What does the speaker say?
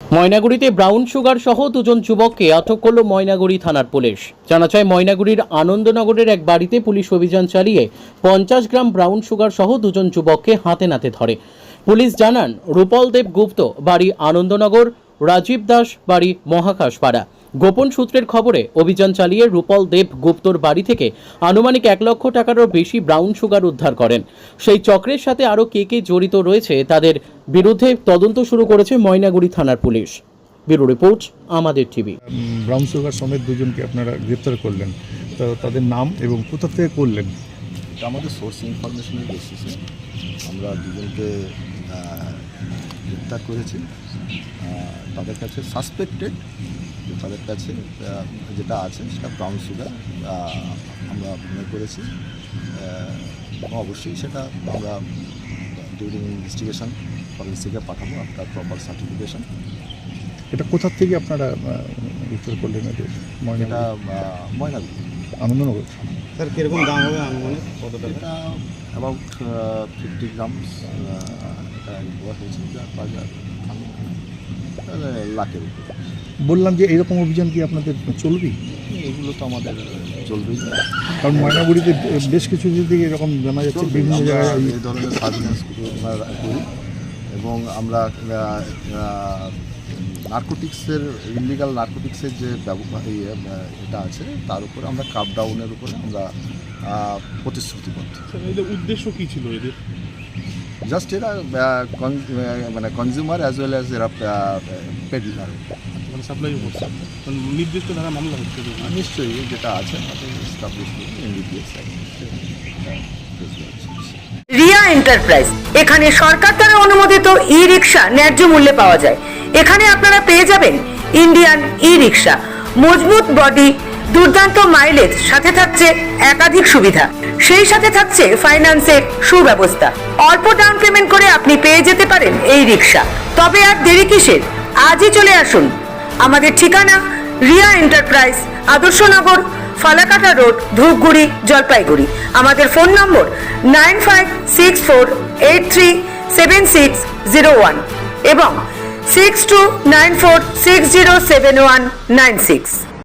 ময়নাগুড়িতে brown sugar সহ দুজন যুবককে আটক করল ময়নাগুড়ি থানার পুলিশ। জানা যায়, ময়নাগুড়ির আনন্দনগরের এক বাড়িতে পুলিশ অভিযান চালিয়ে 50 গ্রাম ব্রাউন সুগার সহ দুজন যুবককে হাতে নাতে ধরে। পুলিশ জানান, রূপল দেব গুপ্ত, বাড়ি আনন্দনগর, রাজীব দাস, বাড়ি মহাকাশপাড়া। গোপন সূত্রের খবরে অভিযান চালিয়ে রূপল দেব গুপ্তর বাড়ি থেকে আনুমানিক 1 লক্ষ টাকারও বেশি ব্রাউন সুগার উদ্ধার করেন। সেই চক্রের সাথে আরও কে জড়িত রয়েছে তাদের বিরুদ্ধে তদন্ত শুরু করেছে ময়নাগুড়ি থানার পুলিশ। ব্যুরো রিপোর্ট, আমাদের টিভি। ব্রাউন সুগার সমেত দুজনকে আপনারা গ্রেপ্তার করলেন, তো তাদের নাম এবং কোথা থেকে করলেন? আমাদের সোর্স ইনফরমেশনের বেসিসে আমরা দুজনকে গ্রেপ্তার করেছি। তাদের কাছে সাসপেক্টেড, তাদের কাছে যেটা আছে সেটা ব্রাউন সুগার আমরা মনে করেছি। অবশ্যই সেটা আমরা ডিউরিং ইনভেস্টিগেশন ফরেন্সিকে পাঠাবো আফটার প্রপার সার্টিফিকেশন। এটা কোথা থেকে আপনারা গ্রেপ্তার করলেন? এটা ময়নাগুড়ি আনন্দনগর। স্যার কীরকম দাম হবে আনুমানিক কত টাকা? এটা অ্যাবাউট 50 গ্রামস এটা দেওয়া হয়েছে, যার বাজার লাখের উপরে। বললাম যে এরকম অভিযান কি আপনাদের চলবে? এগুলো তো আমাদের চলবেই, কারণ ময়নাগুড়িতে বেশ কিছু দিকে এরকম জানা যাচ্ছে বিভিন্ন জায়গায় এই ধরনের সার্ভিলেন্স করি এবং আমরা নার্কোটিক্সের ইলিগাল নার্কোটিক্সের যে এটা আছে তার উপরে আমরা ক্র্যাকডাউনের উপরে আমরা প্রতিশ্রুতিবদ্ধ। এদের উদ্দেশ্য কী ছিল এদের? জাস্ট এরা মানে কনজিউমার অ্যাজ ওয়েল অ্যাজ এরা পেডিলার, মানে সাপ্লাই করছে, নির্দিষ্ট ধারা মামলা হচ্ছে নিশ্চয়ই যেটা আছে এস্টাবলিশ এনডিপিএস। রিয়া এন্টারপ্রাইজ, এখানে সরকার দ্বারা অনুমোদিত ই রিক্সা ন্যায্য মূল্যে পাওয়া যায়। এখানে আপনারা পেয়ে যাবেন ইন্ডিয়ান ই রিক্সা, মজবুত বডি, দুর্দান্ত মাইলেজ, সাথে থাকছে একাধিক সুবিধা। সেই সাথে থাকছে ফাইন্যান্সের সুব্যবস্থা। অল্প ডাউন পেমেন্ট করে আপনি পেয়ে যেতে পারেন এই রিক্সা। তবে আর দেরি কিসের? আজই চলে আসুন। আমাদের ঠিকানা রিয়া এন্টারপ্রাইজ, আদর্শনগর, ফালাকাটা রোড, ধূপগুড়ি, জলপাইগুড়ি। আমাদের ফোন নম্বর 9564837601 এবং 6294607196।